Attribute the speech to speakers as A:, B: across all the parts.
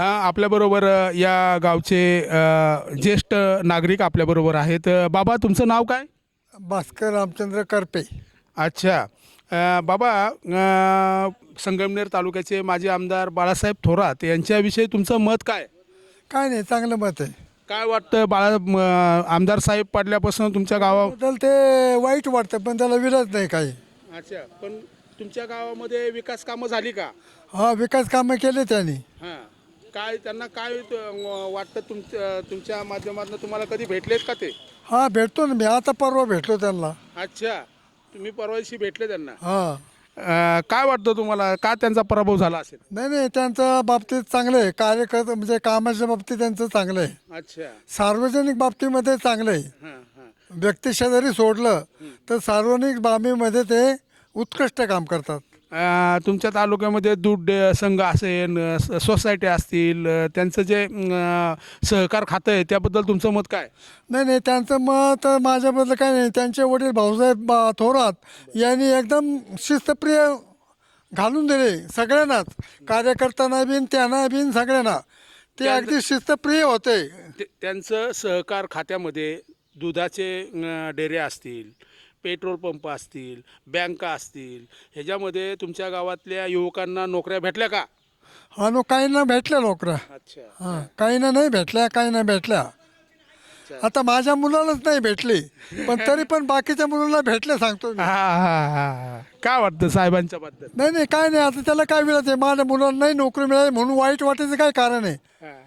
A: आपल्याबरोबर या गावचे ज्येष्ठ नागरिक आपल्याबरोबर आहेत. बाबा तुमचं नाव काय?
B: भास्कर रामचंद्र करपे.
A: अच्छा. बाबा, संगमनेर तालुक्याचे माजी आमदार बाळासाहेब थोरात यांच्याविषयी तुमचं मत काय?
B: काय नाही, चांगलं मत आहे.
A: काय वाटतं आमदार साहेब पडल्यापासून तुमच्या
B: बद्दल ते वाईट वाटतं, पण त्याला विरोध नाही काही.
A: अच्छा, पण तुमच्या गावामध्ये विकास कामं झाली का?
B: हा, विकास कामं केले त्यांनी.
A: हां. काय त्यांना काय वाटतं तुमच्या माध्यमातून तुम्हाला कधी भेटलेत का ते?
B: हा, भेटतो ना मी. आता परवा भेटलो त्यांना.
A: अच्छा, तुम्ही परवा दिवशी भेटले त्यांना.
B: हा,
A: काय वाटतं तुम्हाला, का त्यांचा पराभव झाला असेल?
B: नाही नाही, त्यांच्या बाबतीत चांगलं आहे. कार्यकर्ता म्हणजे कामाच्या बाबतीत त्यांचं चांगलं आहे.
A: अच्छा.
B: सार्वजनिक बाबतीमध्ये चांगलं आहे.
A: हां हां.
B: व्यक्तिशः जरी सोडलं तर सार्वजनिक बाबीमध्ये ते उत्कृष्ट काम करतात.
A: तुमच्या तालुक्यामध्ये दूध संघ असेल, सोसायटी असतील, त्यांचं जे सहकार खातं आहे त्याबद्दल तुमचं मत काय?
B: नाही नाही, त्यांचं मत माझ्याबद्दल काही नाही. त्यांचे वडील भाऊसाहेब थोरात यांनी एकदम शिस्तप्रिय घालून दिले सगळ्यांनाच, कार्यकर्त्यांना बिन त्यांना बिन सगळ्यांना. ते अगदी शिस्तप्रिय होते.
A: त्यांचं सहकार खात्यामध्ये दुधाचे डेरे असतील, पेट्रोल पंप असतील, बँका असतील, ह्याच्यामध्ये तुमच्या गावातल्या युवकांना नोकऱ्या भेटल्या का?
B: हा, काहींना भेटल्या नोकऱ्या.
A: अच्छा.
B: हां, काहींना नाही भेटल्या, काहींना भेटल्या. आता माझ्या मुलालाच नाही भेटली, पण तरी पण बाकीच्या मुलांना भेटले, सांगतो मी.
A: हा हा हा. काय वाटतं साहेबांच्या बद्दल?
B: नाही नाही, काय नाही. आता त्याला काय मिळत आहे? माझ्या मुलांना नाही नोकरी मिळाली म्हणून वाईट वाटायचं काय कारण आहे?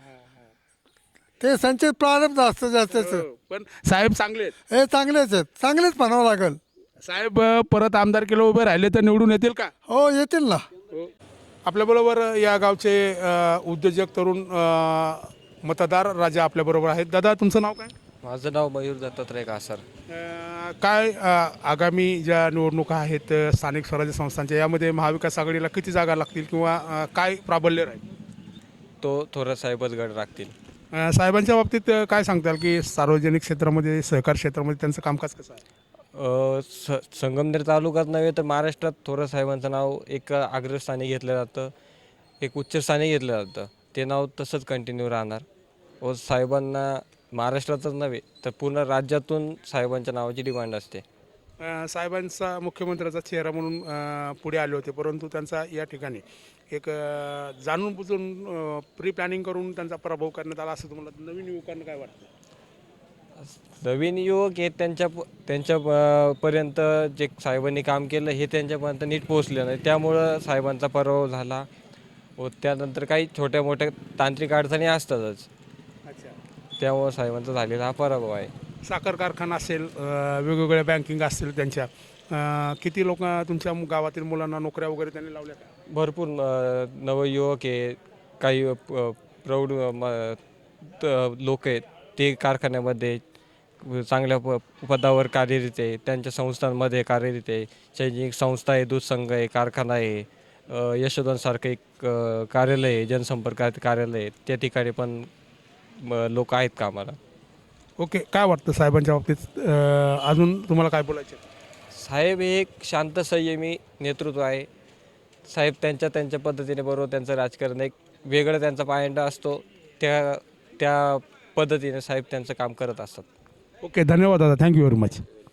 B: ते संचित प्रारंभ असतं जास्तच.
A: पण साहेब चांगले आहेत.
B: हे चांगलेच आहेत, चांगलेच म्हणावं लागेल.
A: साहेब परत आमदारकीला उभे राहिले तर निवडून येतील का?
B: हो, येतील ना.
A: आपल्याबरोबर या गावचे उद्योजक तरुण मतदार राजा आपल्याबरोबर आहेत. दादा तुमचं नाव काय?
C: माझं नाव मयूर दत्तात्रय कासार.
A: काय आगामी ज्या निवडणुका आहेत स्थानिक स्वराज्य संस्थांच्या, यामध्ये महाविकास आघाडीला किती जागा लागतील किंवा काय प्राबल्य राहील?
C: तो थोरात साहेबच गड राखतील.
A: साहेबांच्या बाबतीत काय सांगताल की सार्वजनिक क्षेत्रामध्ये, सहकार क्षेत्रामध्ये त्यांचं कामकाज कसं आहे?
C: संगमनेर तालुक्यात नव्हे तर महाराष्ट्रात थोरात साहेबांचं नाव एक अग्रस्थानी घेतलं जातं, एक उच्चस्थानी घेतलं जातं. ते नाव तसंच कंटिन्यू राहणार व साहेबांना महाराष्ट्रातच नव्हे तर पूर्ण राज्यातून साहेबांच्या नावाची डिमांड असते.
A: साहेबांचा मुख्यमंत्र्याचा चेहरा म्हणून पुढे आले होते, परंतु त्यांचा या ठिकाणी एक जाणून बुजून प्री प्लॅनिंग करून त्यांचा पराभव करण्यात आला असं तुम्हाला नवीन युवकांना काय वाटतं?
C: नवीन युवक हे त्यांच्या पर्यंत जे साहेबांनी काम केलं हे त्यांच्यापर्यंत नीट पोहोचलं नाही, त्यामुळं साहेबांचा पराभव झाला. व त्यानंतर काही छोट्या मोठ्या तांत्रिक अडचणी असतातच,
A: अच्छा.
C: त्यामुळं साहेबांचा झालेला हा पराभव आहे.
A: साखर कारखाना असेल, वेगवेगळ्या बँकिंग असतील त्यांच्या, किती लोक तुमच्या गावातील मुलांना नोकऱ्या वगैरे त्यांनी लावल्या का?
C: भरपूर नवयुवक आहे, काही प्रौढ लोक आहेत, ते कारखान्यामध्ये चांगल्या पदावर कार्यरत आहे, त्यांच्या संस्थांमध्ये कार्यरत आहे. शैक्षणिक संस्था आहे, दूध संघ आहे, कारखाना आहे, यशोधनसारखं एक कार्यालय आहे, जनसंपर्क कार्यालय आहे, त्या ठिकाणी पण लोक आहेत कामाला.
A: ओके. काय वाटतं साहेबांच्या बाबतीत अजून तुम्हाला काय बोलायचं?
C: साहेब हे एक शांत संयमी नेतृत्व आहे. साहेब त्यांच्या पद्धतीने, बरोबर त्यांचं राजकारण एक वेगळं त्यांचा पायंडा असतो, त्या पद्धतीने साहेब त्यांचं काम करत असतात.
A: ओके, धन्यवाद दादा, थँक्यू व्हेरी मच.